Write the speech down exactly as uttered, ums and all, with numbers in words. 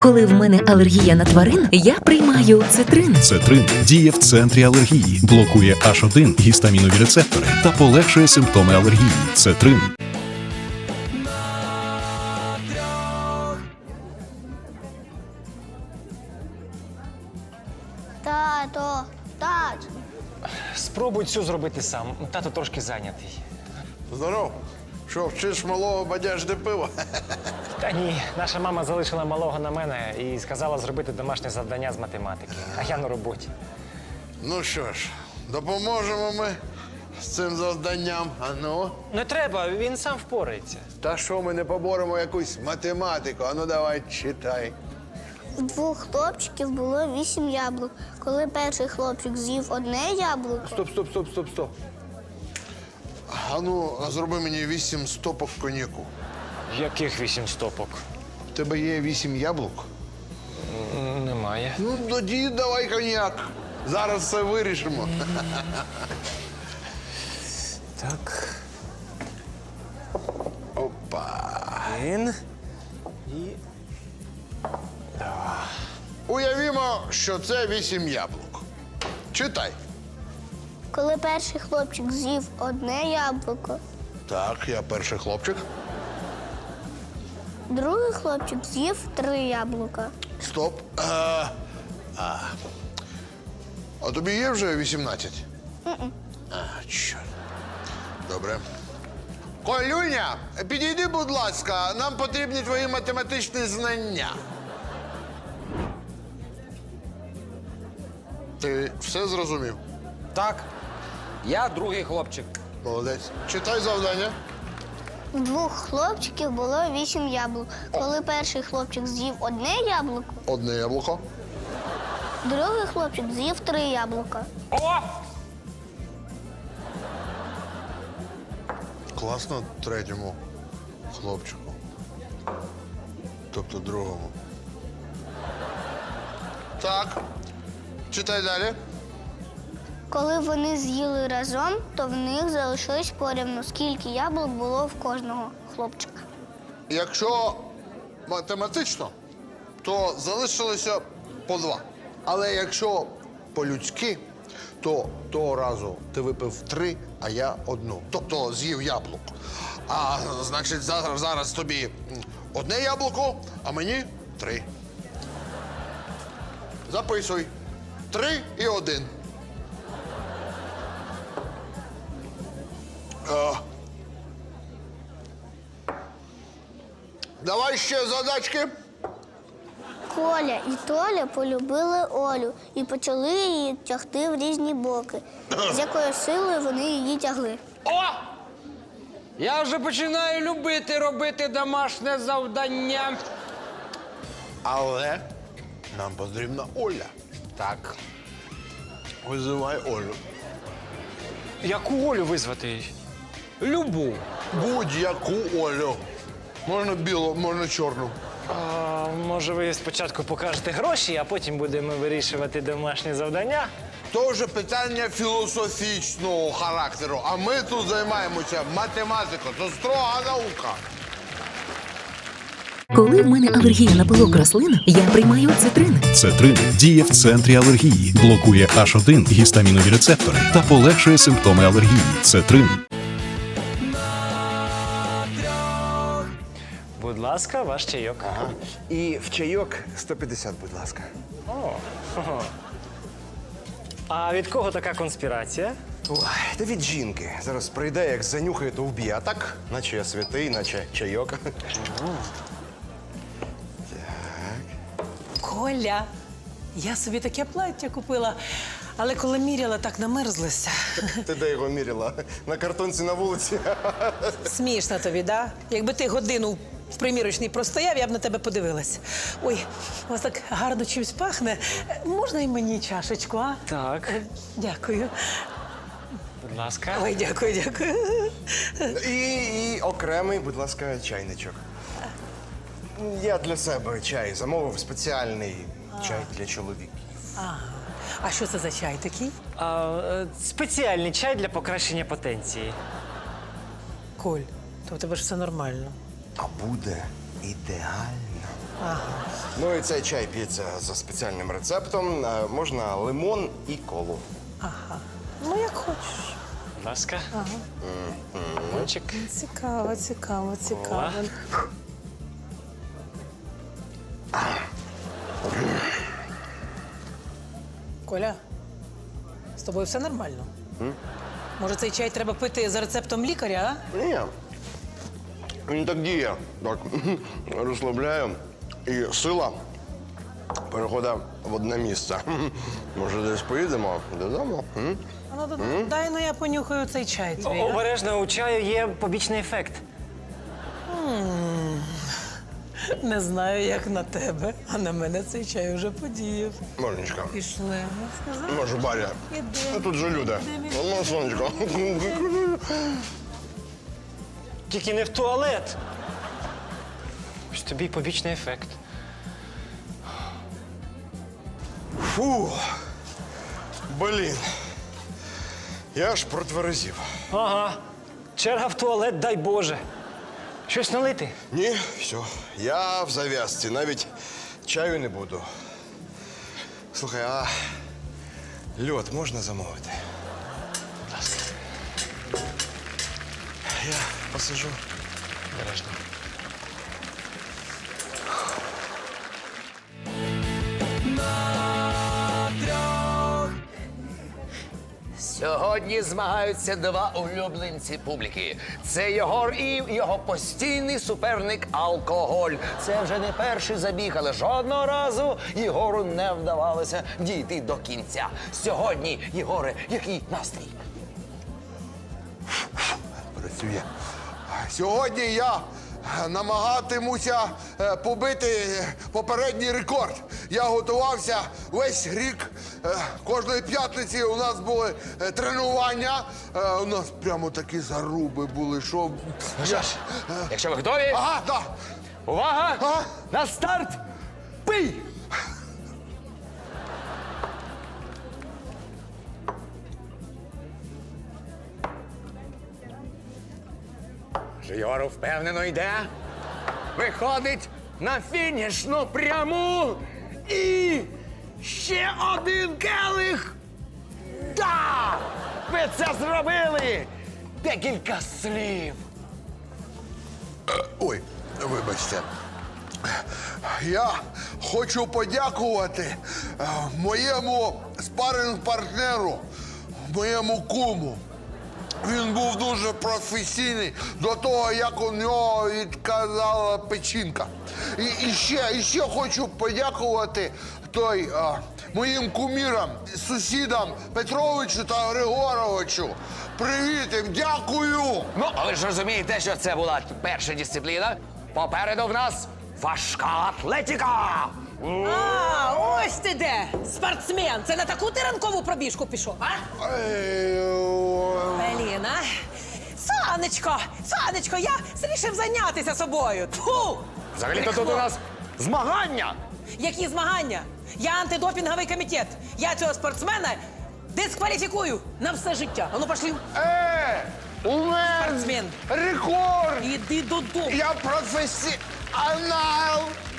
Коли в мене алергія на тварин, я приймаю цитрин. Цетрин діє в центрі алергії, блокує аш один гістамінові рецептори та полегшує симптоми алергії. Цетрин. Тато, тато. Спробуй цю зробити сам. Тато трошки зайнятий. Здоров. Що, вчиш малого бадяжди пива? Та ні, наша мама залишила малого на мене і сказала зробити домашнє завдання з математики. А я на роботі. Ну що ж, допоможемо ми з цим завданням. А ну? Не треба, він сам впорається. Та що ми не поборемо якусь математику? А ну давай, читай. У двох хлопчиків було вісім яблук. Коли перший хлопчик з'їв одне яблуко, Стоп, стоп, стоп, стоп, стоп. А ну, а зроби мені вісім стопок коньяку. Яких вісім стопок? В тебе є вісім яблук? М, Немає. Ну, тоді давай коньяк. Зараз все вирішимо. Так. Опа. Один. І. Уявімо, що це вісім яблук. Читай. коли перший хлопчик з'їв одне яблуко, Так, я перший хлопчик. другий хлопчик з'їв три яблука. Стоп. А, а. а тобі є вже вісімнадцять? А, чорт. Добре. Колюня, підійди, будь ласка, нам потрібні твої математичні знання. Ти все зрозумів? Так, я другий хлопчик. Молодець. Читай завдання. У двох хлопчиків було вісім яблук. Коли перший хлопчик з'їв одне яблуко, Одне яблуко. другий хлопчик з'їв три яблука. О! Класно третьому хлопчику. Тобто другому. Так. Читай далі. Коли вони з'їли разом, то в них залишилось порівну, скільки яблук було в кожного хлопчика. Якщо математично, то залишилося по два. Але якщо по-людськи, то того разу ти випив три, а я одну. Тобто з'їв яблук. А значить, зараз, зараз тобі одне яблуко, а мені три. Записуй. Три і один. А. Давай ще задачки. Коля і Толя полюбили Олю і почали її тягти в різні боки. З якою силою вони її тягли. О! Я вже починаю любити робити домашнє завдання. Але нам потрібна Оля. Так. Визивай Олю. Яку Олю визвати? Любу. Будь-яку Олю. Можна білу, можна чорну. А, може, ви спочатку покажете гроші, а потім будемо вирішувати домашні завдання? То вже питання філософічного характеру. А ми тут займаємося математикою. Це строга наука. Коли в мене алергія на пилок рослин, я приймаю цитрин. Цетрин діє в центрі алергії, блокує аш один гістамінові рецептори та полегшує симптоми алергії. Цетрин. Будь ласка, ваш чайок. Ага. І в чайок сто п'ятдесят, будь ласка. А від кого така конспірація? Ой, та від жінки. Зараз прийде, як занюхає, то вб'є. А так, наче я святий, наче чайок. Коля, я собі таке плаття купила, але коли міряла, так намерзлася. Ти де його міряла? На картонці на вулиці. Смішно тобі, да? Якби ти годину в примірочній простояв, я б на тебе подивилась. Ой, у вас так гарно чимось пахне. Можна і мені чашечку, а? Так. Е, Дякую. Будь ласка. Ой, дякую, дякую. І, і окремий, будь ласка, чайничок. Я для себе чай замовив, спеціальний чай для чоловіків. А що це за чай такий? А, е, спеціальний чай для покращення потенції. Коль, то в тебе ж все нормально. А буде ідеально. Ну і цей чай п'ється за спеціальним рецептом. Е, Можна лимон і колу. Ну, як хочеш. Будь ласка. Лимончик. Цікаво, цікаво, цікаво. Ова. Коля, з тобою все нормально? Може, цей чай треба пити за рецептом лікаря, а? Ні. Він так діє. Так розслабляє. І сила переходить в одне місце. Може, десь поїдемо додому? М? А ну, дай- дай ну я понюхаю цей чай твій. а? Обережно, у чаю є побічний ефект. Не знаю, як на тебе, а на мене цей чай вже подіяв. Монечка, Пішли. Я сказала. може, Баря? Іди. А тут же люди. Іди. Ну, сонечко. Тільки не в туалет. Ось тобі й побічний ефект. Фу. Блін. Я аж протверезів. Ага. Черга в туалет, дай Боже. Щось налити? Ні, все. Я в зав'язці. Навіть чаю не буду. Слухай, а льод можна замовити? Я посижу. Обережно. Сьогодні змагаються два улюбленці публіки. Це Єгор і його постійний суперник алкоголь. Це вже не перший забіг, але жодного разу Єгору не вдавалося дійти до кінця. Сьогодні, Єгоре, який настрій? Працює. Сьогодні я намагатимуся е, побити попередній рекорд. Я готувався весь рік. Е, Кожної п'ятниці у нас були е, тренування. Е, У нас прямо такі заруби були, що... Що ж, якщо ви готові, Ага, так. увага! Ага. На старт! Пий! Єгор впевнено йде. Виходить на фінішну пряму. І ще один келих. Да! Ви це зробили! Декілька слів. Ой, вибачте. Я хочу подякувати е, моєму спаринг-партнеру, моєму куму. Він був дуже професійний до того, як у нього відказала печінка. І, і, ще, і ще хочу подякувати той, а, моїм кумірам, сусідам Петровичу та Григоровичу. Привіт їм, дякую! Ну, а ви ж розумієте, що це була перша дисципліна. Попереду в нас важка атлетика. А, ось ти де! Спортсмен! Це на таку ти ранкову пробіжку пішов, а? Ей, о, Блін, а? Сонечко! Сонечко, я вирішив зайнятися собою. Тьфу! Взагалі-то тут у нас змагання. Які змагання? Я антидопінговий комітет. Я цього спортсмена дискваліфікую на все життя. А ну пошли. Е, у мене Спортсмен. рекорд! Іди додому. Я професіонал!